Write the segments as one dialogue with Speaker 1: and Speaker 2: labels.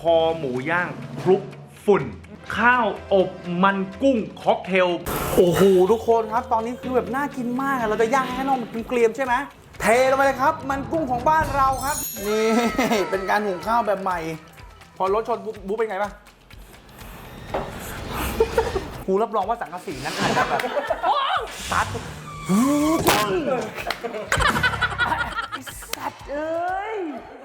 Speaker 1: อหมูย่างคลุกฝุ่นข้าวอบมันกุ้งค็อกเทลโอ้โหทุกคนครับตอนนี้คือแบบน่ากินมากเราจะย่างให้น้องมันเกรียมใช่ไหมเทลงไปเลยครับมันกุ้งของบ้านเราครับนี่เป็นการหุงข้าวแบบใหม่พอรถชนบุ๊เป็นไงบ้างกูรับรองว่าสังกะสีนั้นอาจจะแบบตัดสัตว์เอ้ย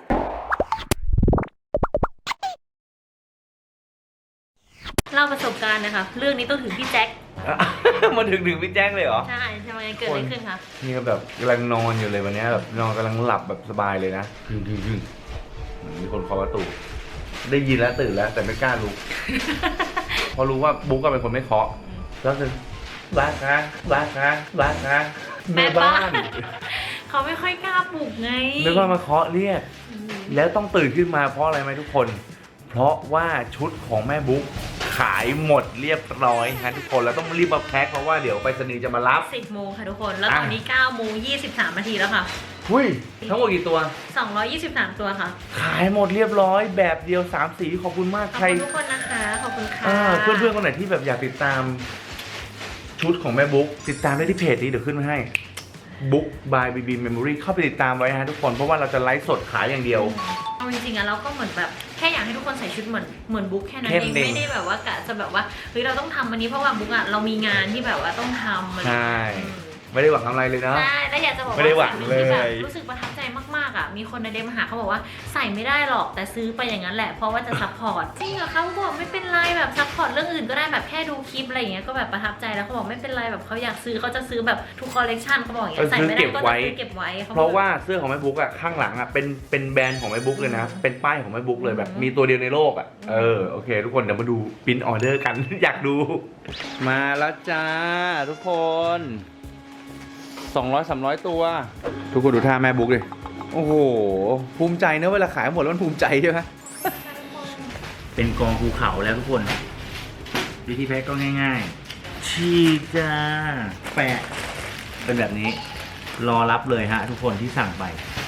Speaker 2: เล่าประสบการณ์นะคะเรื่องนี้ต้องถึงพี่แจ็ค
Speaker 1: มาถึงพี่แจ้งเลยเหรอ
Speaker 2: ใช่ทำไมเกิดอะไรขึ้นคะ
Speaker 1: นี่ก็แบบกำลังนอนอยู่เลยวันนี้แบบนอนกำลังหลับแบบสบายเลยนะมีคนเคาะประตูได้ยินแล้วตื่นแล้วแต่ไม่กล้าลุก พอรู้ว่าบุ๊กก็เป็นคนไม่เคาะแล้วคือบ้านคะแม่บ้าน
Speaker 2: เขาไม่ค่อยกล้าปลุกไง
Speaker 1: แม่บ้านมาเคาะเรียกแล้วต้องตื่นขึ้นมาเพราะอะไรไหมทุกคนเพราะว่าชุดของแม่บุ๊กขายหมดเรียบร้อยฮะทุกคนแล้วต้องรีบมาแพ็คเพราะว่าเดี๋ยวไปรษณีย์จะมารับ
Speaker 2: 10 โมงค่ะทุกคนแล้วตอนนี้9 โมง 23 นาทีแล้วค่ะ
Speaker 1: หุ้ยทั้งหมดกี่ตัว
Speaker 2: 223 ตัวค่ะ
Speaker 1: ขายหมดเรียบร้อยแบบเดียว3 สีขอบคุณมาก
Speaker 2: ขอบคุณทุกคนนะคะขอบคุณค่ะ
Speaker 1: เพื่อนๆคนไหนที่แบบอยากติดตามชุดของแม่บุ๊กติดตามได้ที่เพจนี้เดี๋ยวขึ้นมาให้บุ๊ก by BB Memory เข้าไปติดตามไว้ฮะทุกคนเพราะว่าเราจะไลฟ์สดขายอย่างเดียว
Speaker 2: เอาจริงๆอะเราก็เหมือนแบบแค่อยากให้ทุกคนใส่ชุดเหมือนบุ๊กแค่นั้นเองไม่ได้แบบว่ากะจะแบบว่าเฮ้ยเราต้องทำวันนี้เพราะว่าบุ๊กอะเรามีงานที่แบบว่าต้องทำ
Speaker 1: ใช่ไม่ได้หวังอะไรเลยนะ
Speaker 2: ใช่แล้วอยากจะบอกว่าสิ่งหนึ่งที่แบบรู้สึกประทับใจมากๆอ่ะมีคนในเดมมาหาเขาบอกว่าใส่ไม่ได้หรอกแต่ซื้อไปอย่างนั้นแหละเพราะว่าจะซัพพอร์ตจริงเหรอเขาบอกไม่เป็นไรแบบซัพพอร์ตเรื่องอื่นก็ได้แบบแค่ดูคลิปอะไรอย่างเงี้ยก็แบบประทับใจแล้วเขาบอกไม่เป็นไรแบบเขาอยากซื้อเขาจะซื้อแบบทุกคอลเลกชันเขาบอกอย่างเงี้ยใส่ไม่ได้ก็จะซื้อเก็บไว้
Speaker 1: เพราะว่าเสื้อของแม่บุ๊กอ่ะข้างหลังอ่ะเป็นแบรนด์ของแม่บุ๊กเลยนะเป็นป้ายของแม่บุ๊กเลยแบบมีตัวเดียวในโลกอ่ะโอเคทุกคนเดี๋ยวมาดูพิมพ์ออเดอร์กัน อยากดูมาแล้วจ้าทุกคน200-300 ตัวทุกคนดูท่าแม่บุ๊กเลยโอ้โหภูมิใจเนอะเวลาขายหมดแล้วมันภูมิใจใช่ไหม เป็นกองภูเขาแล้วทุกคนวิธีแพ็คก็ง่ายๆชีจ้าแปะเป็นแบบนี้รอรับเลยฮะทุกคนที่สั่งไป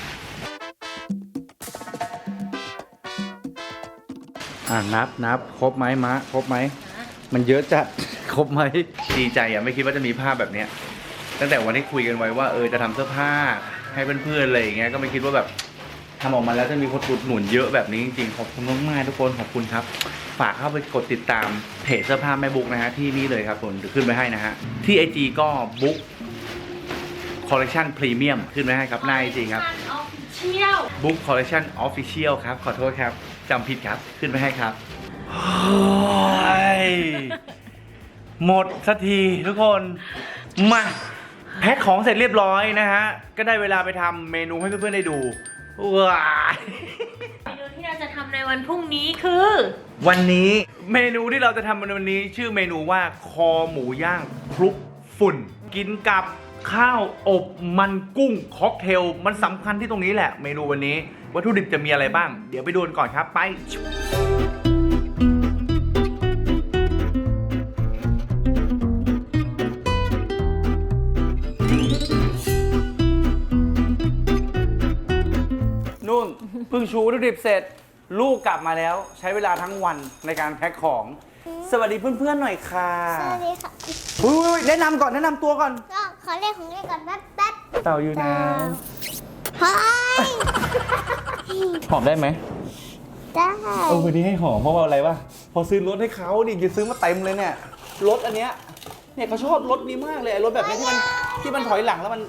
Speaker 1: นับครบไหมมะครบไหมมันเยอะจัด ครบไหมดีใจอ่ะไม่คิดว่าจะมีภาพแบบเนี้ยตั้งแต่วันที่คุยกันไว้ว่าจะทำเสื้อผ้าให้เพื่อนๆอะไรอย่างเงี้ยก็ไม่คิดว่าแบบทำออกมาแล้วจะมีคนอุดหนุนเยอะแบบนี้จริงๆขอบคุณมากๆทุกคนขอบคุณครับฝากเข้าไปกดติดตามเพจเสื้อผ้าแม่บุ๊กนะฮะที่นี่เลยครับผมเดี๋ยวขึ้นไปให้นะฮะที่ IG ก็บุ๊กคอลเลคชันพรีเมียมขึ้นไปให้ครับหน้า IG ครับบุ๊กคอลเลคชันออฟฟิเชียลครับขอโทษครับจำผิดครับขึ้นไปให้ครับหมดสักทีทุกคนมาแพ็คของเสร็จเรียบร้อยนะฮะก็ได้เวลาไปทำเมนูให้เพื่อนๆได้ดูว้าย
Speaker 2: เมนูที่เราจะทำในวันพรุ่งนี้คือ
Speaker 1: วันนี้เมนูที่เราจะทำในวันนี้ชื่อเมนูว่าคอหมูย่างคลุกฝุ่นกินกับข้าวอบมันกุ้งค็อกเทลมันสำคัญที่ตรงนี้แหละเมนูวันนี้วัตถุดิบจะมีอะไรบ้างเดี๋ยวไปดูกันก่อนครับไปนู่นเพิ่งชูวัตถุดิบเสร็จลูกกลับมาแล้วใช้เวลาทั้งวันในการแพ็คของสวัสดีเพื่อนๆหน่อยค่ะ
Speaker 3: สวัสดีค่ะ
Speaker 1: แนะนำก่อนแนะนำตัวก่อน
Speaker 3: ก็ขอเรียกของเล่นก่อนแป๊บ
Speaker 1: เต่าอยู่นะ
Speaker 3: เฮ้ย
Speaker 1: หอมได้ไหม
Speaker 3: ได้
Speaker 1: วันนี้ให้หอมเพราะว่าอะไรวะพอซื้อรถให้เขาดิจะซื้อมาเต็มเลยเนี่ยรถอันเนี้ยเนี่ยเขาชอบรถนี้มากเลยรถแบบนี้ที่มันถอยหลังแล้วมัน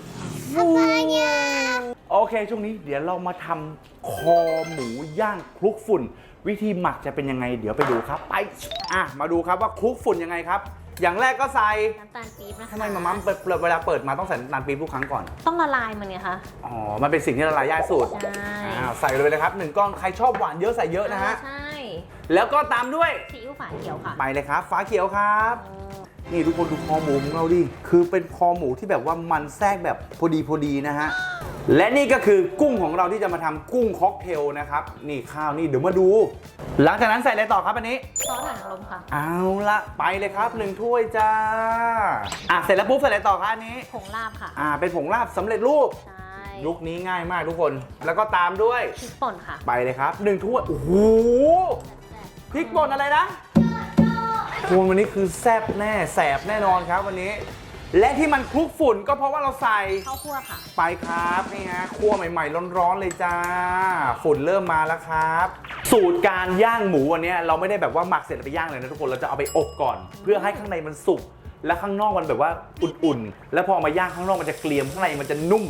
Speaker 1: โอเคช่วงนี้เดี๋ยวเรามาทำคอหมูย่างคลุกฝุ่นวิธีหมักจะเป็นยังไงเดี๋ยวไปดูครับไปมาดูครับว่าคลุกฝุ่นยังไงครับอย่างแรกก็ใส่
Speaker 2: น้ำตาลปี๊บนะคะ
Speaker 1: ทำไมมาม่าเวลาเปิดมาต้องใส่น้ำตาลปี๊บทุกครั้งก่อน
Speaker 2: ต้องละลายมันไงคะ
Speaker 1: อ๋อมันเป็นสิ่งที่ละลายยากสุด
Speaker 2: ใช่
Speaker 1: ใส่เลยนะครับ1 ก้อนใครชอบหวานเยอะใส่เยอะนะฮะ
Speaker 2: ใช่
Speaker 1: แล้วก็ตามด้วย
Speaker 2: ซีอิ๊วฝาเขียวค่ะ
Speaker 1: ไปเลยครับฝาเขียวครับนี่ทุกคนดูคอหมูของเราดิคือเป็นคอหมูที่แบบว่ามันแทรกแบบพอดีนะฮะและนี่ก็คือกุ้งของเราที่จะมาทำกุ้งค็อกเทลนะครับนี่ข้าวนี่เดี๋ยวมาดูหลังจากนั้นใส่อะไรต่อครับอันนี้
Speaker 2: ซอสหอยนางรมค่ะ
Speaker 1: เอาละไปเลยครับ1 ถ้วยจ้าเสร็จแล้วปุ๊บใส่อะไรต่อครับอันนี้
Speaker 2: ผงลาบค่ะ
Speaker 1: เป็นผงลาบสำเร็จรูปยุคนี้ง่ายมากทุกคนแล้วก็ตามด้วย
Speaker 2: พริกป่นค่ะ
Speaker 1: ไปเลยครับ1 ถ้วยโอ้โหพริกป่นอะไรนะคุณวันนี้คือแซ่บแน่แสบแน่นอนครับวันนี้ และที่มันคลุกฝุ่นก็เพราะว่าเราใส่
Speaker 2: ข้าวคั่วค่ะ
Speaker 1: ไปครับนี่ฮะคั่วใหม่ๆร้อนๆเลยจ้าฝุ่นเริ่มมาแล้วครับ สูตรการย่างหมูวันนี้เราไม่ได้แบบว่าหมักเสร็จแล้วไปย่างเลยนะทุกคนเราจะเอาไปอบก่อน เพื่อให้ข้างในมันสุกและข้างนอกมันแบบว่าอุ่นๆแล้วพอมาย่างข้างนอกมันจะเกรียมข้างในมันจะนุ่ม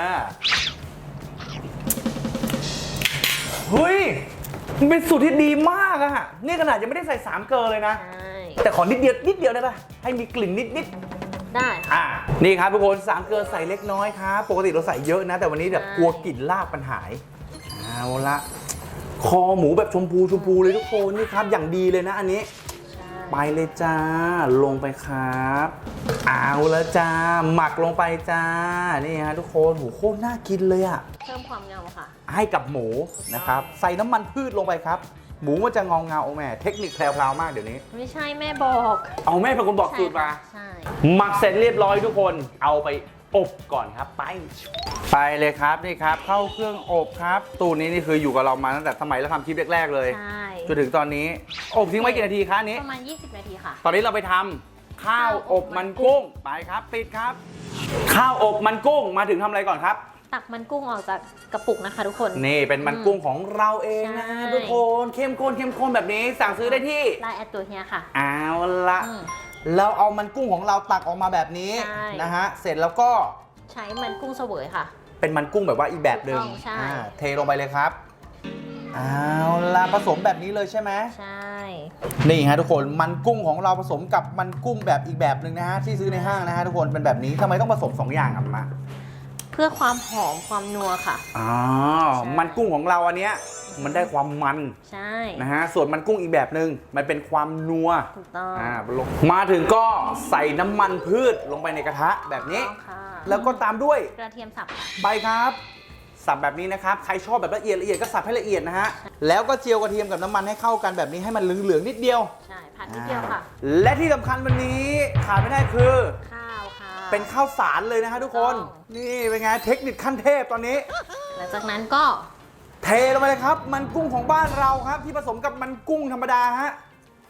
Speaker 1: เฮ้ยมันเป็นสูตรที่ดีมากอะนี่ขนาดยังไม่ได้ใส่3เกลือเลยนะ
Speaker 2: ใช่
Speaker 1: แต่ขอนิดเดียวได้ปะให้มีกลิ่นนิดๆ
Speaker 2: ได้ค่ะ
Speaker 1: นี่ครับทุกคน3เกลือใส่เล็กน้อยครับปกติเราใส่เยอะนะแต่วันนี้แบบกลัวกลิ่นลาบมันหายเอาละคอหมูแบบชมพูเลยทุกคนนี่ครับอย่างดีเลยนะอันนี้ไปเลยจ้าลงไปครับเอาละจ้าหมักลงไปจ้านี่ฮะทุกคนโหโคตรน่ากินเลยอะ
Speaker 2: เพิ่มความเงาค่ะ
Speaker 1: ให้กับหมูนะครับใส่น้ำมันพืชลงไปครับหมูมันจะเงาแม่เทคนิคแพรวๆมากเดี๋ยวนี้
Speaker 2: ไม่ใช่แม่บอก
Speaker 1: เอาแม่เป็นคนบอกสูตรมา
Speaker 2: ใช่
Speaker 1: หมักเสร็จเรียบร้อยทุกคนเอาไปอบก่อนครับไปเลยครับนี่ครับเข้าเครื่องอบครับตู้นี้นี่คืออยู่กับเรามาตั้งแต่สมัยเราทำคลิปแรกๆเลย
Speaker 2: ใช่
Speaker 1: จนถึงตอนนี้อบทิ้งไว้กี่นาทีคะอันนี้
Speaker 2: ประมาณ 20 นาทีค่ะ
Speaker 1: ตอนนี้เราไปทำข้าวอบมันกุ้งไปครับปิดครับ ข้าวอบมันกุ้งมาถึงทำอะไรก่อนครับ
Speaker 2: ตักมันกุ้งออกจากกระปุกนะคะทุกคน
Speaker 1: นี่เป็นมันกุ้งของเราเองนะ
Speaker 2: ใช่
Speaker 1: ทุกคนเข้มข้นแบบนี้สั่งซื้อได้ที่
Speaker 2: ไลน์แอดตัวเฮียค่ะ
Speaker 1: เอาละ
Speaker 2: อืม
Speaker 1: เราเอามันกุ้งของเราตักออกมาแบบนี้
Speaker 2: ใช่
Speaker 1: นะฮะเสร็จแล้วก็
Speaker 2: ใช้มันกุ้งเสวยค่ะ
Speaker 1: เป็นมันกุ้งแบบว่าอีกแบบหนึ่ง
Speaker 2: ถูกต้องใช่
Speaker 1: เทลงไปเลยครับเอาละผสมแบบนี้เลยใช่ไหม
Speaker 2: ใช่
Speaker 1: นี่ฮะทุกคนมันกุ้งของเราผสมกับมันกุ้งแบบอีกแบบหนึ่งนะฮะที่ซื้อในห้างนะฮะทุกคนเป็นแบบนี้ทำไมต้องผสม2อย่างอ่ะมา
Speaker 2: เพื่อความหอมความนัวค่ะ
Speaker 1: อ๋อ
Speaker 2: ใช่
Speaker 1: มันกุ้งของเราอันเนี้ยมันได้ความมัน
Speaker 2: ใช่
Speaker 1: นะฮะส่วนมันกุ้งอีกแบบหนึ่งมันเป็นความนัว
Speaker 2: ถูกต้อง
Speaker 1: ลงมาถึงก็ใส่น้ำมันพืชลงไปในกระทะแบบนี้
Speaker 2: ถูกต้องค่ะ
Speaker 1: แล้วก็ตามด้วย
Speaker 2: กระเทียมสับค่ะ
Speaker 1: ใบครับสับแบบนี้นะครับใครชอบแบบละเอียดก็สับให้ละเอียดนะฮะแล้วก็เจียวกระเทียมกับน้ำมันให้เข้ากันแบบนี้ให้มันเหลืองๆนิดเดียว
Speaker 2: ใช่ผัดนิดเดียวค่ะ
Speaker 1: และที่สำคัญวันนี้ขาดไม่ได้คือ
Speaker 2: ข้าวค่ะ
Speaker 1: เป็นข้าวสารเลยนะฮะทุกคน นี่เป็นไงเทคนิคขั้นเทพตอนนี้
Speaker 2: หลังจากนั้นก็
Speaker 1: เทลงไปเลยครับ มันกุ้งของบ้านเราครับ ที่ผสมกับมันกุ้งธรรมดาฮะ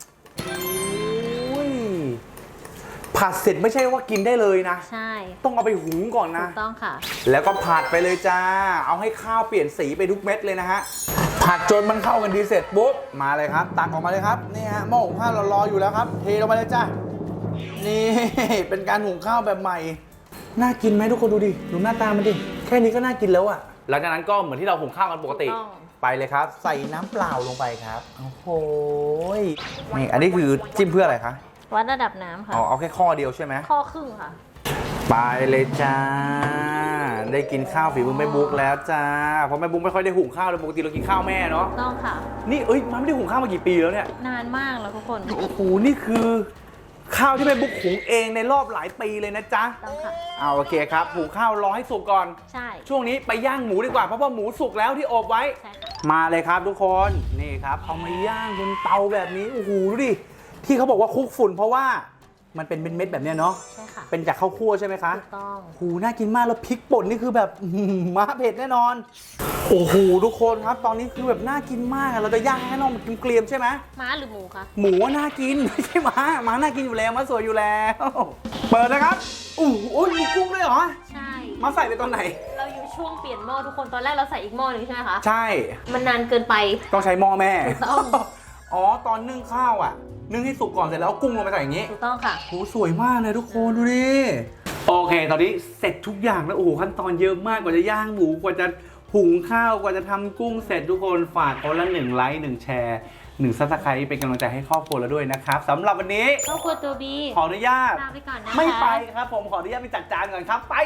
Speaker 1: อุ้ยผัดเสร็จไม่ใช่ว่ากินได้เลยนะ
Speaker 2: ใช่
Speaker 1: ต้องเอาไปหุงก่อน
Speaker 2: ถู
Speaker 1: นะ
Speaker 2: กต้องค่ะ
Speaker 1: แล้วก็ผัดไปเลยจ้า เอาให้ข้าวเปลี่ยนสีไปทุกเม็ดเลยนะฮะ ผัดจนมันเข้ากันดีเสร็จปุ๊บ มาเลยครับ ตักออกมาเลยครับ นี่ฮะหม้อหุงข้าวเรารออยู่แล้วครับ เทลงไปเลยจ้า นี่ เป็นการหุงข้าวแบบใหม่ น่ากินไหมทุกคนดูดิ ดูหน้าตามันดิ แค่นี้ก็น่ากินแล้วอะหลังจากนั้นก็เหมือนที่เราหุงข้าวกันปกติ
Speaker 2: ถูกต้อง
Speaker 1: ไปเลยครับ ใส่น้ำเปล่าลงไปครับ โอ้โหนี่อันนี้คือจิ้มเพื่ออะไรคะ
Speaker 2: วัดระดับน้ำค่ะ
Speaker 1: อ๋อเอาแค่ข้อเดียวใช่ไหม
Speaker 2: ข้อครึ่งค่ะ
Speaker 1: ไปเลยจ้า ได้กินข้าวฝีมือแม่บุ๊กแล้วจ้า เพราะแม่บุ๊กไม่ค่อยได้หุงข้าวเลยปกติเรากินข้าวแม่เนาะ
Speaker 2: ต้องค่ะ
Speaker 1: นี่มันไม่ได้หุงข้าวมากี่ปีแล้วเนี่ย
Speaker 2: นานมากแล้วทุกคน
Speaker 1: โอ้โห นี่คือข้าวที่แม่บุ๊กหุงเองในรอบหลายปีเลยนะจ๊ะ
Speaker 2: ต้องค่ะ
Speaker 1: เอาโอเคครับหุงข้าวรอให้สุกก่อน
Speaker 2: ใช่
Speaker 1: ช่วงนี้ไปย่างหมูดีกว่าเพราะว่าหมูสุกแล้วที่อบไว้
Speaker 2: ใช่ค่ะ
Speaker 1: มาเลยครับทุกคน นี่ครับเอามาย่างบนเตาแบบนี้ โอ้โหดูดิ ที่เขาบอกว่าคลุกฝุ่นเพราะว่ามันเป็นเม็ดๆแบบเนี้ยเนาะ
Speaker 2: ใช่ค่ะ
Speaker 1: เป็นจากข้าวคั่วใช่ไหมคะ
Speaker 2: ถูกต้อง
Speaker 1: โอ้โหน่ากินมากแล้วพริกป่นนี่คือแบบ ม้าเผ็ดแน่นอน โอ้โหทุกคนครับ ตอนนี้คือแบบน่ากินมากอะเราจะย่างให้น้องมันเกรียมๆใช่ไหม
Speaker 2: ม้าหรือหมูคะ
Speaker 1: หมูว่าน่ากิน ไม่ใช่ม้าน่ากินอยู่แล้วม้าสวยอยู่แล้ว เปิดนะครับอู้หูมีกุ้งด้วยเหรอ
Speaker 2: ใช่
Speaker 1: มาใส่ไปตอนไหน
Speaker 2: เราอยู่ช่วงเปลี่ยนหม้อทุกคน ตอนแรกเราใส่อีกหม้อหนึ่งใช่ไหมคะ
Speaker 1: ใช่
Speaker 2: มันนานเกินไป
Speaker 1: ต้องใช้หม้อแม่
Speaker 2: ถูกต้อง
Speaker 1: อ๋อตอนนึ่งข้าวอ่ะ นึ่งให้สุกก่อนเสร็จแล้วเอากุ้งลงไปใส่อย่างนี้
Speaker 2: ถูกต้องค่ะ
Speaker 1: โหสวยมากเลยทุกคนดูดิ โอเค ตอนนี้เสร็จทุกอย่างแล้วโอ้โหขั้นตอนเยอะมากกว่าจะย่างหมูกว่าจะหุงข้าวกว่าจะทำกุ้งเสร็จทุกคนฝากคนละ1 ไลค์1 แชร์1 ซับสไครต์เป็นกำลังใจให้ครอบครัวเราด้วยนะครับสำหรับวันนี้
Speaker 2: ครอบครัวตัวบี
Speaker 1: ขออนุญาต
Speaker 2: ลาไปก่อนนะคะ
Speaker 1: ไม่ไปครับผมขออนุญาตไปจัดจานก่อนครับไป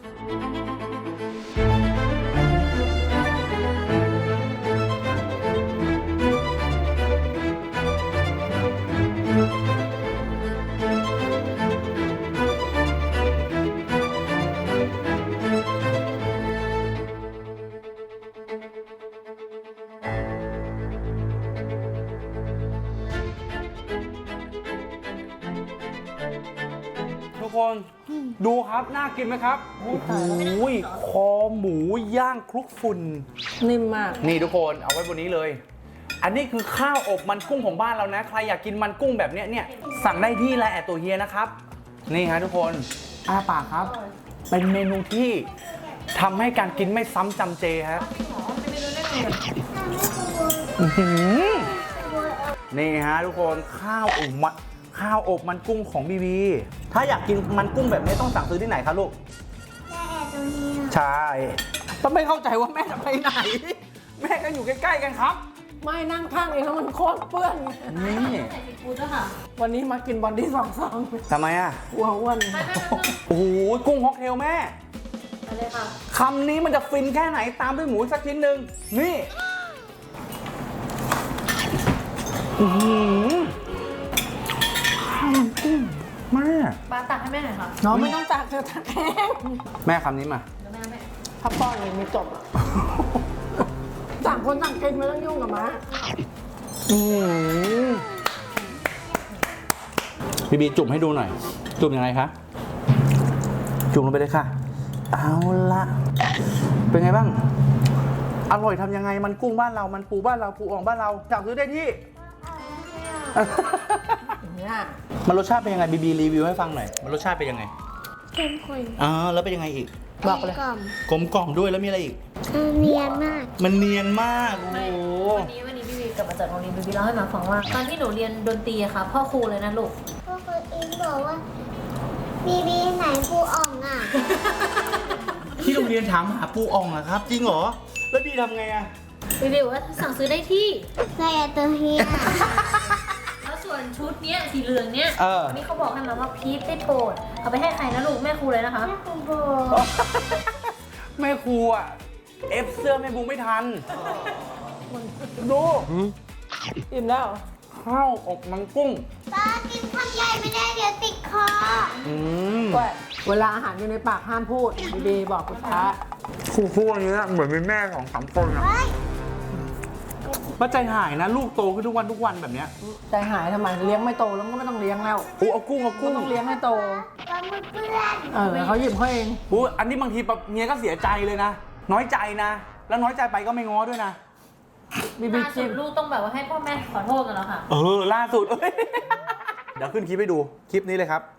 Speaker 1: ทุกคนดูครับน่ากินไหมครับโอ้โหคอหมูย่างคลุกฝุ่น
Speaker 2: นิ่มมาก
Speaker 1: นี่ทุกคนเอาไว้บนนี้เลยอันนี้คือข้าวอบมันกุ้งของบ้านเรานะใครอยากกินมันกุ้งแบบเนี้ยสั่งได้ที่ไลน์แอดตัวเฮียนะครับนี่ฮะทุกคนอ้าปากครับเป็นเมนูที่ทำให้การกินไม่ซ้ำจำเจฮะนี่ฮะทุกคนข้าวอบมันกุ้งของบีบีถ้าอยากกินมันกุ้งแบบนี้ต้องสั่งซื้อที่ไหนครับลูก
Speaker 3: แม่แอบตรงนี้
Speaker 1: ใช่ต้องไม่เข้าใจว่าแม่จะไปไหน แม่ก็อยู่ใกล้ๆกันครับ
Speaker 4: ไม่นั่งข้างเองแล้วมันโคตรเปื้อน
Speaker 1: นี่
Speaker 2: ใส่ซีฟู้ดด้วยค่ะ
Speaker 4: วันนี้มากินบอนดี้2 ซอง
Speaker 1: ทำไมอ่ะ
Speaker 4: หัวอ้วน
Speaker 1: โอ้โหกุ้งฮอกเทลแม่
Speaker 2: ไปเลยค่ะ
Speaker 1: คำนี้มันจะฟินแค่ไหนตามด้วยหมูสักชิ้นหนึ่งนี่อื้อหือข้าวมันกุ้งมาก
Speaker 2: ปลาตักให้แม่หน่อยค่ะ
Speaker 4: น้องไม่ต้องตักเธอตักเอง
Speaker 1: แม่คำนี้มา
Speaker 2: เดี๋ยวแม่
Speaker 4: ถ้าป้อนเองไม่จบอ่ะต่างคนต่างกินไม่ต้องยุ่งกับม้า
Speaker 1: บีบีจุ่มให้ดูหน่อย จุ่มยังไงคะ จุ่มลงไปเลยค่ะ เอาละเป็นไงบ้าง อร่อยทำยังไงมันกุ้งบ้านเรา มันปูบ้านเรา ปูอ่องบ้านเราสั่งซื้อได้ที่
Speaker 4: อย่างเงี้ย
Speaker 1: มันรสชาติเป็นยังไงบีบีรีวิวให้ฟังหน่อย มันรสชาติเป็นยังไง
Speaker 3: เข้มข้น
Speaker 1: แล้วเป็นยังไงอีก
Speaker 4: บอกเลย
Speaker 3: กล่อม
Speaker 1: กลมกล่อมด้วยแล้วมีอะไรอีก
Speaker 3: เนียนมาก
Speaker 1: มันเนียนมาก โอ้
Speaker 2: ไม่
Speaker 1: โห
Speaker 2: วันนี้พี่บีกลับมาจากโรงเรียนพี่บีเล่าให้มาฟังว่า ตอนที่หนูเรียนดนตรีอะค่ะ พ่อครูเลยนะลูก
Speaker 3: ก็คืออิงบอกว่าบีบีไหนครูอ่องอ่ะ
Speaker 1: ที่โรงเรียนถามหาปูอ่องอะครับ จริงเหรอ แล้วบีทำไงอะ
Speaker 2: พี่บีบอกว่าสั่งซื้อได้ที่
Speaker 3: แม่แอบตัวเฮีย
Speaker 2: แล้วส่วนชุดเนี้ยสีเหลืองเนี้ย
Speaker 1: เออ
Speaker 2: นี่เขาบอกให้มาว่าพีทได้โปรดเอาไปให้ใครนะลูกแม่ครูเลยนะคะ
Speaker 3: แม่ครูโบ
Speaker 1: แม่ครูอะเอฟเสื้อแม่บูไม่ทัน ดู
Speaker 4: อิ่มแล้ว
Speaker 1: ข้าวอบมันกุ้ง
Speaker 3: ตากินคำใหญ่ไม่ได้เดี๋ยวติดคอ
Speaker 1: อืม
Speaker 4: ก็เวลาอาหารอยู่ในปากห้ามพูดดีๆบอกคุณพระ
Speaker 1: ครูอันนี้เหมือนเป็นแม่ของ3 คนอะ
Speaker 3: เฮ้ย
Speaker 1: ป้าใจหายนะ ลูกโตขึ้นทุกวันแบบเนี้ย
Speaker 4: ใจหายทำไมเลี้ยงไม่โตแล้วก็ไม่ต้องเลี้ยงแล้ว
Speaker 1: เอากุ้ง
Speaker 4: ก็ต้องเลี้ยงให้โต
Speaker 3: ปลาหมึกเพื่อน
Speaker 4: เขาหยิบให้เอง
Speaker 1: อันนี้บางทีเมียก็เสียใจเลยนะ น้อยใจนะ แล้วน้อยใจไปก็ไม่ง้อด้วยนะ
Speaker 4: บีบี
Speaker 2: ล่าสุ
Speaker 4: ชิ
Speaker 2: ด
Speaker 4: ม
Speaker 2: ลูกต้องแบบว่าให้พ่อแม่ขอโทษกันแล้วค่ะ
Speaker 1: ล่าสุด เดี๋ยวขึ้นคลิปให้ดู คลิปนี้เลยครับ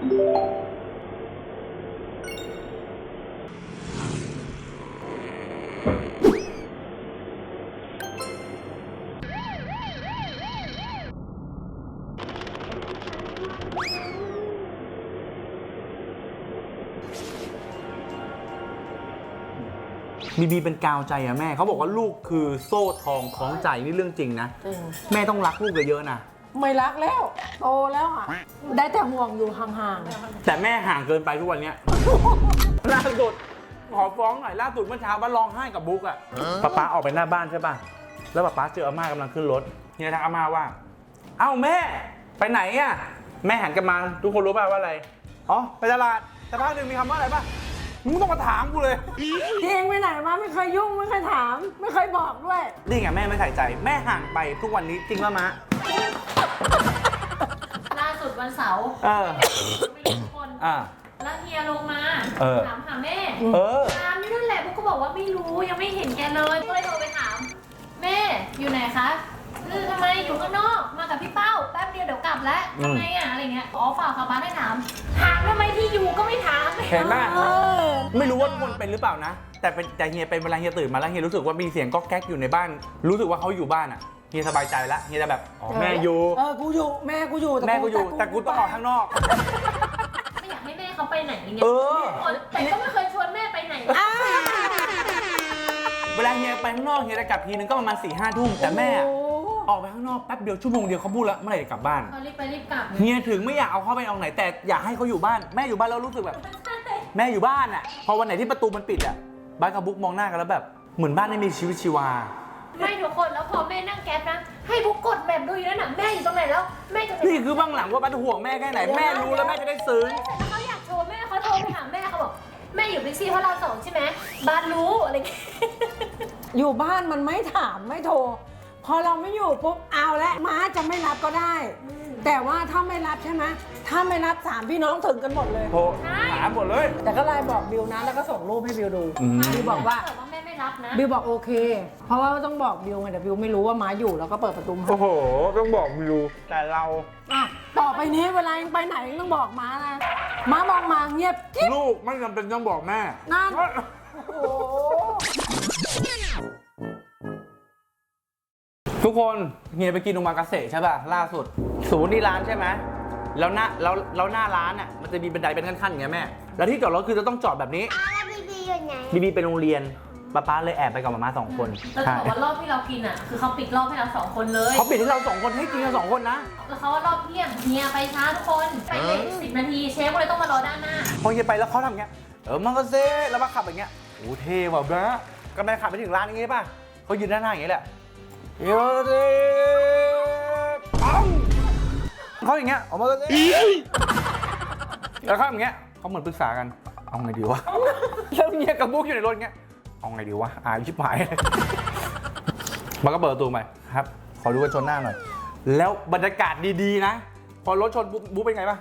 Speaker 1: บีเป็นกาวใจอะแม่เขาบอกว่าลูกคือโซ่ทองคล้องใจนี่เรื่องจริงนะ
Speaker 4: จริง
Speaker 1: แม่ต้องรักลูกเยอะๆนะ
Speaker 4: ไม่รักแล้วโตแล้วอ่ะได้แต่ห่วงอยู่ห่าง
Speaker 1: แต่แม่ห่างเกินไปทุกวันเนี้ย ล่าสุดขอฟ้องหน่อยล่าสุดเมื่อเช้าว่าร้องไห้กับบุ๊กอะป๊าออกไปหน้าบ้านใช่ป่ะแล้วป๊าเจออาม่ากำลังขึ้นรถเฮียทักอาม่าว่า เอ้าแม่ไปไหนอะแม่หันกลับมาทุกคนรู้ป่ะว่าอะไรอ๋อไปตลาดแต่พักหนึ่งมีคำว่าอะไรป่ะมึงต้องมาถามกูเลย
Speaker 4: ๆที่เองไปไหนมาไม่เคยยุ่งไม่เคยถาม ไม่เคยบอกด้วย
Speaker 1: นี่ไงแม่ไม่ใส่ใจแม่ห่างไปทุกวันนี้จริงป่ะมะ
Speaker 2: ล่าสุดวันเสาร์
Speaker 1: เออ
Speaker 2: ไม่รู้ทุกคน แล้วเฮียลงมา ถามหาแม่ ถามนี่นั่นแหละพวกก็บอกว่าไม่รู้ยังไม่เห็นแกเลยก็เลยโทรไปถาม แม่อยู่ไหนคะทำไมอยู่ข้างนอกมากับพี่เป้าแป๊บเดียวเดี๋ยวกลับแล้วทำไมอะอะไรเงี้ยอ๋อฝากค่ะบ้านให้ถามทำไมที่อยู่ก็ไม่ถาม
Speaker 1: เห็นไหมไม่รู้ว่าทุกคนเป็นหรือเปล่านะ แต่เฮียเป็นเวลาเฮียตื่นมาแล้วเฮียรู้สึกว่ามีเสียงก๊อกแก๊กอยู่ในบ้าน รู้สึกว่าเขาอยู่บ้านอ่ะเฮียสบายใจแล้วเฮียจะแบบอ๋อแม่อยู่
Speaker 4: กูอยู่แม่กูอยู่
Speaker 1: แม่กูอยู่แต่กูต้องออกข้างนอก
Speaker 2: ไม่อยากให้แม่เขาไปไหนอย่างเงี้ย
Speaker 1: เออ
Speaker 2: แต่ก็ไม่เคยชวนแม่ไปไหน
Speaker 1: เวลาเฮียไปข้างนอกเฮียจะกลับทีนึงก็ประมาณ4-5 ทุ่มแต่แม่ออกไปข้างนอกแป๊บเดียวชั่วโมงเดียวเขาพูดแล้วเมื่อไหร่จะกลับบ้าน
Speaker 2: เขารีบไปรีบกลับ
Speaker 1: เฮียถึงไม่อยากเอาเขาไปเอาไหนแต่อยากให้เขาอยู่บ้านแม่อยู่บ้านแล้วรู้สึกแบบ แม่อยู่บ้านอ่ะพอวันไหนที่ประตูมันปิดอ่ะบ้านกับบุ๊กมองหน้ากันแล้วแบบเหมือนบ้านไม่มีชีวิตชีวา
Speaker 2: ไม่ทุกคนแล้วพอแม่นั่งแก๊ปนะให้บุ๊กกดแบบดูอยู่นั่นน่ะแม่อยู่ตรงไหนแล้วแม่จะ
Speaker 1: นี่คือเบื้องหลังว่าบ้านห่วงแม่แค่ไหนแม่รู้แล้วแม่จะได้ซึ้ง
Speaker 2: เขาอยากโชว์แม่เขาโทรไปหาแม่เขาบอกแม่อยู่บิ๊กซีเพราะเรา2ใช่ไหมบ้านรู้อะไรเงี้ย
Speaker 4: อยู่บ้านมันไม่ถามไม่โทร พอเราไม่อยู่ปุ๊บเอาละม้าจะไม่รับก็ได้ แต่ว่าถ้าไม่รับใช่ไหมถ้าไม่รับ3 พี่น้องถึงกันหมดเลย
Speaker 1: โทรหาหมดเลย
Speaker 4: แต่ก็ไลน์บอกบิวนะแล้วก็ส่งรูปให้บิวดูบิวบอกว่า
Speaker 2: ถ้เกิดว่าแม่ไม่รับนะ
Speaker 4: บิวบอกโอเค เพราะว่าต้องบอกบิวไงแต่บิวไม่รู้ว่าม้าอยู่แล้วก็เปิดประตูมา
Speaker 1: โอ้โหต้องบอกวิวแต่เรา
Speaker 4: อ่ะต่อไปนี้เวลายังไปไหนยังต้องบอกม้านะม้ามองมาเงียบกิ๊บ
Speaker 1: ลูกไม่จำเป็นต้องบอกแม่
Speaker 4: นั่นโอ้โห
Speaker 1: ทุกคนเฮียไปกินโอมากาเสะใช่ป่ะล่าสุดศูนย์นี่ร้านใช่ไหมแล้วหน้าร้านอ่ะมันจะมีบันไดเป็นขั้นๆอย่างเงี้ยแม่แล้วที่จอดรถคือจะต้องจอดแบบนี้
Speaker 3: แล้วบีบีอยู่ไหน
Speaker 1: บีเป็นโรงเรียนป้าเลยแอบไปกับมาม่า2 คน
Speaker 2: เราจะบอกว่ารอบที่เรากินอ่ะคือเขาปิดรอบให้เรา2 คนเลย
Speaker 1: เขาปิดให้เรา2 คนให้กินกัน2 คนนะ
Speaker 2: แล้วเขาว่ารอบเที่ยงเฮียไปช้าทุกคนไปเลย10 นาทีเชฟก็เลยต้องมารอด้านหน้า
Speaker 1: พอเฮียไปแล้วเขาทำอย่างเงี้ยมากาเสะแล้วมาขับอย่างเงี้ยโอ้เท่ว่ะบ้าก็ไปขับไปถึงร้านอย่างเงี้ยป่ะเขายืนด้านหน้าอย่างเงี้ยแหละเฮ้ยปังเขาอย่างเงี้ยออกมากาเสะแล้วเขาอย่างเงี้ยเขาเหมือนปรึกษากันเอาไงดีวะแล้วเฮียกับบุ๊กอยู่ในรถอย่างเงี้ยเอาไงดีวะอายชิบหายมันก็เปิดประตูไปครับขอดูกันชนหน้าหน่อยแล้วบรรยากาศดีๆนะพอรถชนบุ๊กเป็นไงป่ะ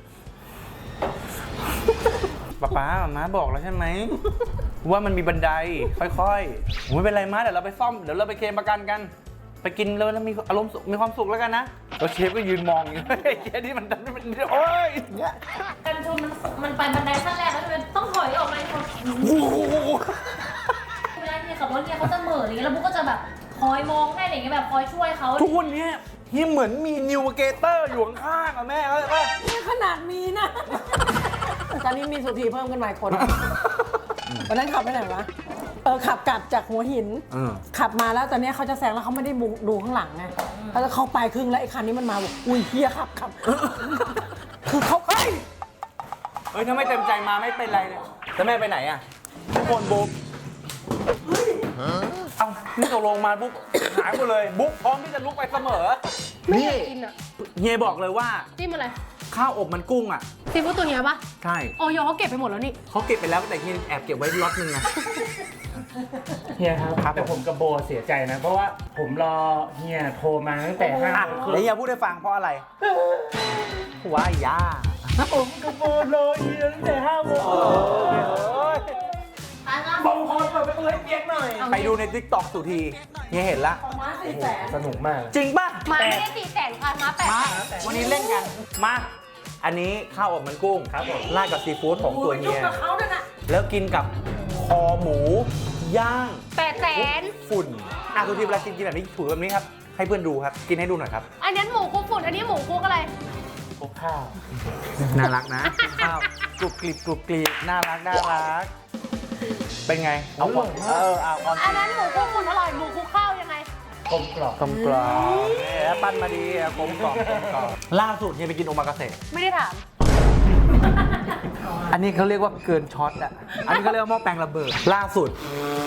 Speaker 1: ป๊าม้าบอกแล้วใช่ไหมว่ามันมีบันไดค่อยๆไม่เป็นไรม้าเดี๋ยวเราไปซ่อมเดี๋ยวเราไปเคลมประกันกันไปกินแล้วมีอารมณ์มีความสุขแล้วกันนะแล้วเชฟก็ยืนมองอย่างเงี้ยเชฟนี่มันโอ๊ยเนี่ย
Speaker 2: กันชนมันไปบันไดขั้นแรกแล้วมันต้องถอยออกมาเวลาเฮียขับรถเฮียเขาจะเหม่ออะไรเงี้ยแล้วบุ๊กก็จะแบบคอยมองให้อะไรเงี้ยแบบคอยช่วยเขา
Speaker 1: ทุกวันนี้เฮียเหมือนมีนิวเกเตอร์อยู่ข้างๆอะแม่เข้าใจป่ะ
Speaker 4: นี่ขนาดมีนะ ตอนนี้มีสุธีเพิ่มขึ้นมาอีกคนวันนั้นขับไปไหนวะขับกลับจากหัวหินขับมาแล้วตอนนี้เขาจะแซงแล้วเขาไม่ได้ดูข้างหลังไงแล้วเขาไปครึ่งแล้วไอ้คันนี้มันมาบอกอุ้ยเฮียขับคือเขาเฮ้ย
Speaker 1: ถ้าไม่เต็มใจมาไม่เป็นไรเลยแล้วแม่ไปไหนอะทุกคนบุ๊กเอ้านี่ตกลงมาบุ๊กหายหมดเลยบุ๊กพร้อมที่จะลุกไปเสมอ
Speaker 5: ไม่อยากกินอ่ะ
Speaker 1: เฮียบอกเลยว่า
Speaker 5: จิ้มอะไร
Speaker 1: ข้าวอบมันกุ้งอ่ะ
Speaker 5: ซีฟู้ดตัวเนี้ยปะ
Speaker 1: ใช่
Speaker 5: ออยเขาเก็บไปหมดแล้วนี่
Speaker 1: เขาเก็บไปแล้วแต่เฮียแอบเก็บไว้ล็อตนึงนะ
Speaker 6: เฮียครับ
Speaker 1: ครับ
Speaker 6: แต่ผมกับโบเสียใจนะ เพราะว่าผมรอเฮียโทรมาตั้งแต่5 โมงครึ่
Speaker 1: เดี๋ยว
Speaker 6: ง
Speaker 1: เฮียพูดให้ฟังเพราะอะไรว้ายย่า
Speaker 6: ผมกับโบรอเฮียตั้งแต่5 โมงผมขอเปิดประตูให้เปียกหน่อย
Speaker 1: ไปดูในทิกตอกสุทีเฮียเห็นละ
Speaker 4: ม้า400,000
Speaker 6: สนุกมาก
Speaker 1: จริงป่ะ
Speaker 5: มาไม่ได้400,000ค่ะมา800,000
Speaker 1: มาวันนี้เล่นกันมาอันนี้ข้าวอบมันกุ้ง
Speaker 6: ครับผม
Speaker 1: ราดกับซีฟู้ดของตัวเฮีย
Speaker 4: กับเขาด้วยนะ
Speaker 1: แล้วกินกับคอหมูย่าง
Speaker 5: 800,000
Speaker 1: ฝุ่นสุทีเวลากินแบบนี้ถูแบบนี้ครับให้เพื่อนดูครับกินให้ดูหน่อยครับ
Speaker 5: อันนั้นหมูคุกฝุ่นอันนี้หมูคุกอะไร
Speaker 6: คลุกข้าว
Speaker 1: น่ารักนะข้าวกรุบกริบกรุบกริบน่ารักน่ารักเป็นไงเอาความเอาความ
Speaker 5: อันนั้นหมูคุกฝุ่นอร่อยหมูคุกข้าวยังไง
Speaker 6: กลมกล่อม
Speaker 1: กลมกล่อมปั้นมาดีกลมกล่อมกลมกล่อมล่าสุดเนี่ยไปกินโอมากาเสะ
Speaker 5: ไม่ได้ถาม
Speaker 1: อันนี้เขาเรียกว่าเกินช็อตอ่ะอันนี้เขาเรียกว่าหม้อแปลงระเบิดล่าสุด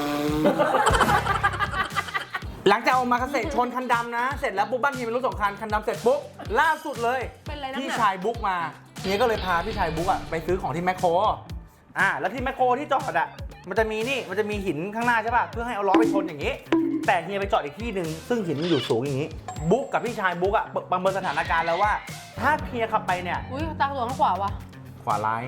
Speaker 1: หลังจากโอมากาเสะชนคันดำนะ เสร็จแล้วปุ๊บบ้านทีเป็นรถ2 คันคันดำเสร็จปุ๊บล่าสุดเลย
Speaker 5: เป็นอะไรนักหนา
Speaker 1: พี่ชายบุ๊กมาเฮียก็เลยพาพี่ชายบุ๊กอะไปซื้อของที่แมคโครแล้วที่แมคโครที่จอดอะมันจะมีหินข้างหน้าใช่ป่ะเพื่อให้เอาล้อไปชนอย่างนี้ แต่เฮียไปจอดอีกที่หนึ่งซึ่งหินมันอยู่สูงอย่างนี้บุ๊กกับพี่ชายบุ๊กอะประเมินสถานการณ์แล้วว่า ถ้าเฮียขับไปเนี่ย
Speaker 5: อุ้ยตาตัวข้างขวาวะ
Speaker 1: ขวาร้าย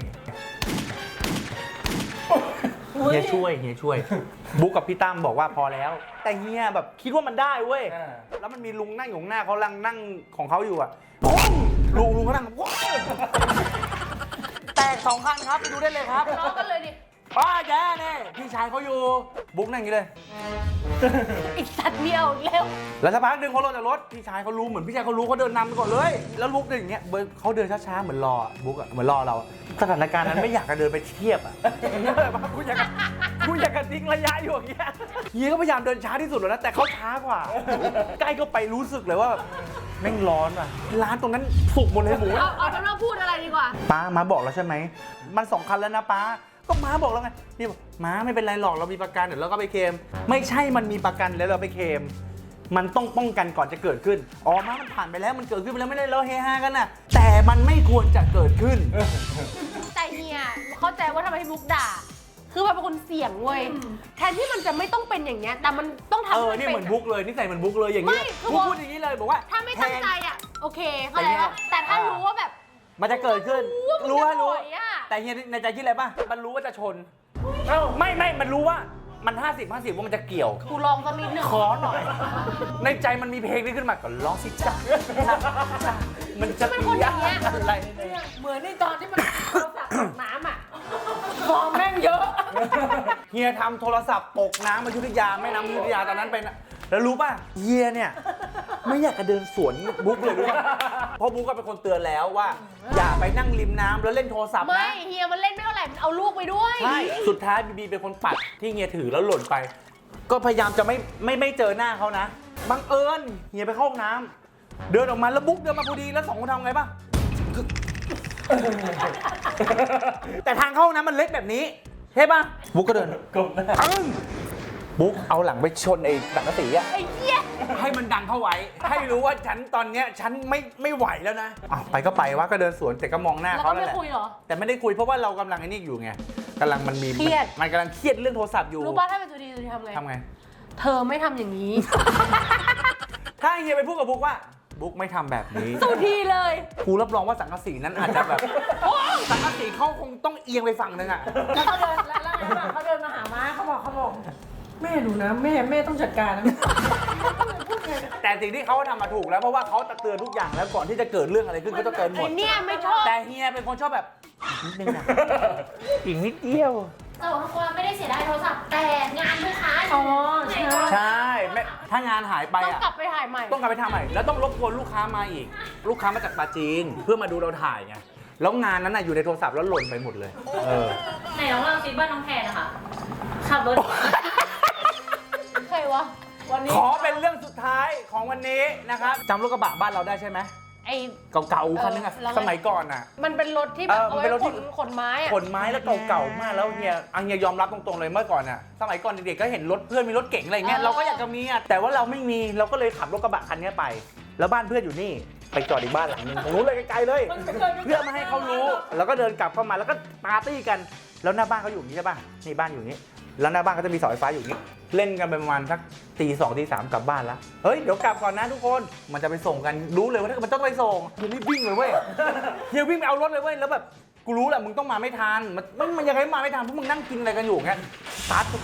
Speaker 1: เฮียช่วยบุ๊กกับพี่ตั้มบอกว่าพอแล้ว แต่เฮียแบบคิดว่ามันได้เว้ย แล้วมันมีลุงนั่งอยู่ข้างหน้าเขาลังนั่งของเขาอยู่อ่ะปุ้งลุงเขานั่งว้าวแตก2 คันครับไปดูได้เลยครับ
Speaker 5: ล้อกันเลยดิ
Speaker 1: ป้าแกเนี่ยพี่ชายเขาอยู่บุ๊กนั่งอย่างนี้เลย
Speaker 5: อีกสัตว์เดียวอีกแล้ว
Speaker 1: แล้วสักพักหนึ่งเขาลงจากรถพี่ชายเขารู้เหมือนพี่ชายเขารู้เขาเดินนำไปก่อนเลย แล้วบุ๊กเดินอย่างเงี้ยเขาเดินช้าๆเหมือนรอบุ๊กอะเหมือนรอเราสถานการณ์นั้นไม่อยากจะเดินไปเทียบอะกูอยากจะทิ้งระยะอยู่อย่างเงี้ยเฮียก็พยายามเดินช้าที่สุดแล้วนะแต่เขาช้ากว่า ใกล้ก็ไปรู้สึกเลยว่าแม่งร้อนว่ะร้านตรงนั้นสุกหมดเลยหมู
Speaker 5: เอาเป็นว่าพูดอะไรดีกว่า
Speaker 1: ป้ามาบอกแล้วใช่ไหมมัน2 คันแล้วนะป้าก็ม้าบอกแล้วไงพี่บอกม้าไม่เป็นไรหรอกเรามีประกันเดี๋ยวเราก็ไปเคลมไม่ใช่มันมีประกันแล้วเราไปเคลมมันต้องป้องกันก่อนจะเกิดขึ้นม้ามันผ่านไปแล้วมันเกิดขึ้นไปแล้วไม่ได้เราเฮฮากันนะแต่มันไม่ควรจะเกิดขึ้น
Speaker 5: แต่เฮียเข้าใจว่าทำไมพี่บุ๊กด่า คือมันเป็นคนเสี่ยงเว้ย แทนที่มันจะไม่ต้องเป็นอย่างเงี้ย แต่มันต้องทำให้
Speaker 1: นี่
Speaker 5: เป็
Speaker 1: เหมือนบุ๊กเลยนี่ใส่เหมือนบุ๊กเลยอย่างนี้
Speaker 5: ไม่คือ
Speaker 1: บุ๊กพูดอย่างนี้เลยบอกว่า
Speaker 5: ถ้าไม่ตั้งใจ
Speaker 1: แทน
Speaker 5: อ่ะ โอเคเข้าใจปะแต่ถ้ารู้ว่าแบบ
Speaker 1: มันจะเกิดขึ้น
Speaker 5: รู้ว่ามันจะ
Speaker 1: รู้
Speaker 5: ถอยอะ
Speaker 1: แต่เฮียในใจคิดอะไรป่ะมันรู้ว่าจะชนไม่มันรู้ว่ามัน50-50ว่ามันจะเกี่ยว
Speaker 5: กูลองสักนิดหนึ่ง
Speaker 1: ขอหน่อย ในใจมันมีเพลงนี้ขึ้นมาก็ร้องสิจ้ามันจะ
Speaker 5: เป็นคนอย่างเงี้ย
Speaker 1: อะไร
Speaker 4: เหมือนในตอนที่มันโทรศัพท์ตกน้ำอ่ะฟองแม่งเยอะ
Speaker 1: เฮียทำโทรศัพท์ตกน้ำอยุธยาแม่น้ำอยุธยาตอนนั้นเป็นแล้วรู้ป่ะเฮียเนี่ยไม่อยากจะเดินสวนบุ๊กเลยรู้ป่ะเพราะบุ๊กก็เป็นคนเตือนแล้วว่า อย่าไปนั่งริมน้ำแล้วเล่นโทรศัพท์
Speaker 5: ไม่
Speaker 1: นะ
Speaker 5: เฮียมันเล่นไม่เท่าไหร่มันเอาลูกไปด้วย
Speaker 1: ใช่สุดท้ายบีบีเป็นคนปัดที่เฮียถือแล้วหล่นไป ก็พยายามจะไม่เจอหน้าเขานะบังเอิญเฮียไปเข้าห้องน้ำเดินออกมาแล้วบุ๊กเดินมาพอดีแล้วสองคนทำไงป่ะ แต่ทางเข้าห้องน้ำมันเล็กแบบนี้ใช่ป่ะบุ๊กก็เดินบุ๊กเอาหลังไปชนไอ้สังกะสีอะ
Speaker 5: ไอ้เหี้ย
Speaker 1: ให้มันดังเข้าไว้ ให้รู้ว่าฉันตอนเนี้ยฉันไม่ไหวแล้วนะอ้าวไปก็ไปวะก็เดินสวนแต่ก็มองหน้า
Speaker 5: แล้ว
Speaker 1: เขา
Speaker 5: ก็
Speaker 1: แล้ว
Speaker 5: ไม่
Speaker 1: แหละ
Speaker 5: คุยเหรอ
Speaker 1: แต่ไม่ได้คุยเพราะว่าเรากำลังไอ้นี่อยู่ไงกำลังมันมี
Speaker 5: เครียด
Speaker 1: มันกำลังเครียดเรื่องโทรศัพท์อยู่
Speaker 5: รู้ป่ะถ้าเป็นสุธีทำไง
Speaker 1: ทำไง
Speaker 5: เธอไม่ทำอย่างนี้
Speaker 1: ถ้าเฮียไปพูดกับบุ๊กว่าบุ๊กไม่ทำแบบนี้
Speaker 5: สุธีเลย
Speaker 1: กูรับรองว่าสังกะสีนั้นอาจจะแบบสังกะสีเขาคงต้องเอียงไปฝั่งนึงอะ
Speaker 4: แล้วเขาเดินแล้วเขาเดินมาหาม้าเขาบอกแม่ดูนะแม่ต้องจัดการนะ
Speaker 1: แต่สิ่งที่เขาทำมาถูกแล้วเพราะว่าเขาจะเตือนทุกอย่างแล้วก่อนที่จะเกิดเรื่องอะไรขึ้นก็จะเตือนหม
Speaker 5: ไอ้
Speaker 1: ด
Speaker 5: เนี่ยไม่ชอบ
Speaker 1: แต่เฮียเป็นคนชอบแบบนิดนึงนะอีกนิดเดียว
Speaker 2: แต่ว่าทุกคนไม่ได้เสียดายโทรศัพท์แต่งานลูกค้า
Speaker 4: อ๋อใช่
Speaker 1: ใช่ไม่ถ้างานหายไป
Speaker 5: ต้อง
Speaker 1: อะ
Speaker 5: กลับไปถ่ายใหม่
Speaker 1: ต้องกลับไปทำใหม่แล้วต้องรบกวนลูกค้ามาอีก ลูกค้ามาจากปาจีนเพื่อมาดูเราถ่ายไงแล้วงานนั้นน่ะอยู่ในโทรศัพท์แล้วหล่นไปหมดเลย
Speaker 2: ไหนน้องเราซิบ้านน้องแพนนะคะขับรถ
Speaker 5: ใครวะ
Speaker 4: วันนี้
Speaker 1: ขอเป็นเรื่องสุดท้ายของวันนี้นะครับจำรถกระบะบ้านเราได้ใช่ไหม
Speaker 5: ไอ้
Speaker 1: เก่าๆคันนึงอะ
Speaker 5: แล้วไง
Speaker 1: สมัยก่อนอะ
Speaker 5: มันเป็นรถที่แบบ
Speaker 1: เออ
Speaker 5: เอา
Speaker 1: มันเป็นร
Speaker 5: ไว้
Speaker 1: ถที่
Speaker 5: ขนไม้อะ
Speaker 1: ขนไม้แล้วเก่าๆมากแล้วเฮียยอมรับตรงๆเลยเมื่อก่อนอะสมัยก่อนเด็กๆก็เห็นรถเพื่อนมีรถเก๋งอะไรเงี้ยเราก็อยากจะมีอะแต่ว่าเราไม่มีเราก็เลยขับรถกระบะคันนี้ไป แล้วบ้านเพื่อนอยู่นี่ไปจอดอีกบ้านหลังนึงตรงนู้นเลยไกลๆเลย เพื่อไม่ให้เขารู้ แล้วก็เดินกลับเข้ามาแล้วก็ปาร์ตี้กัน แล้วหน้าบ้านเขาอยู่อย่างนี้ใช่ป่ะนี่บ้านอยู่อย่างนี้ แล้วหน้าบ้านเขาจะมีเสาไฟฟ้าอยู่อย่างนี้ เล่นกันไปประมาณสักตี 2 ตี 3กลับบ้านแล้วเฮ้ยเดี๋ยวกลับก่อนนะทุกคนมันจะไปส่งกันรู้เลยว่าถ้ามันต้องไปส่งเฮียรีบวิ่งเลยเว้ยเฮียวิ่งไปเอารถเลยเว้ยแล้วแบบกูรู้แหละมึงต้องมาไม่ทันมันยังไงมาไม่ทันเพราะมึงนั่งกินอะไรกันอยู่งั้นสตาร์ท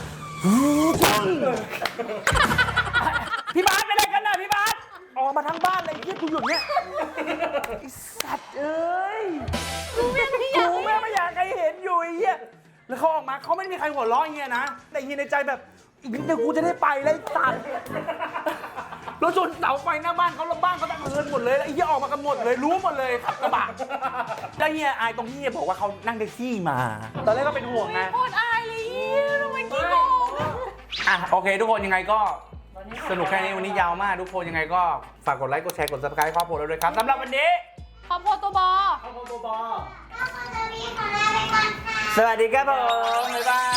Speaker 1: พี่บาสไปไหนกันน่ะพี่บาสออกมาทั้งบ้านเลยเฮียกูหยุดเนี้ยไอ้สัตว์เอ้ยกูแม่ไม่อยากใครเห็นอยู่ไอ้เหี้ยแล้วเขาออกมาเขาไม่มีใครหัวเราะเฮียนะแต่เฮียในใจแบบอีกนิดเดียวกูจะได้ไปแล้วไอ้สัตว์แล้วจนเสาไฟหน้าบ้านเขาแล้วบ้านเขาตั้งเฮินหมดเลยแล้วไอ้เหี้ยออกมากันหมดเลยรู้หมดเลยขับกระบะแล้วเฮียอายตรงที่เฮียบอกว่าเขานั่งแท็กซี่มาตอนแรกก็เป็นห่วงไง
Speaker 5: โคตรอายเลยเหี้ยทำไมขี้โกงอะ
Speaker 1: อ่ะโอเคทุกคนยังไงก็สนุกแค่นี้วันนี้ยาวมากทุกคนยังไงก็ฝากกดไลค์กดแชร์กด subscribe ครอบครัวเราด้วยครับสำหรับวันนี้
Speaker 5: ครอบครัวตัวบอ
Speaker 3: ก็ควรจะมีของเราไปก่อนค่ะ
Speaker 1: สวัสดีครับผมบ๊ายบาย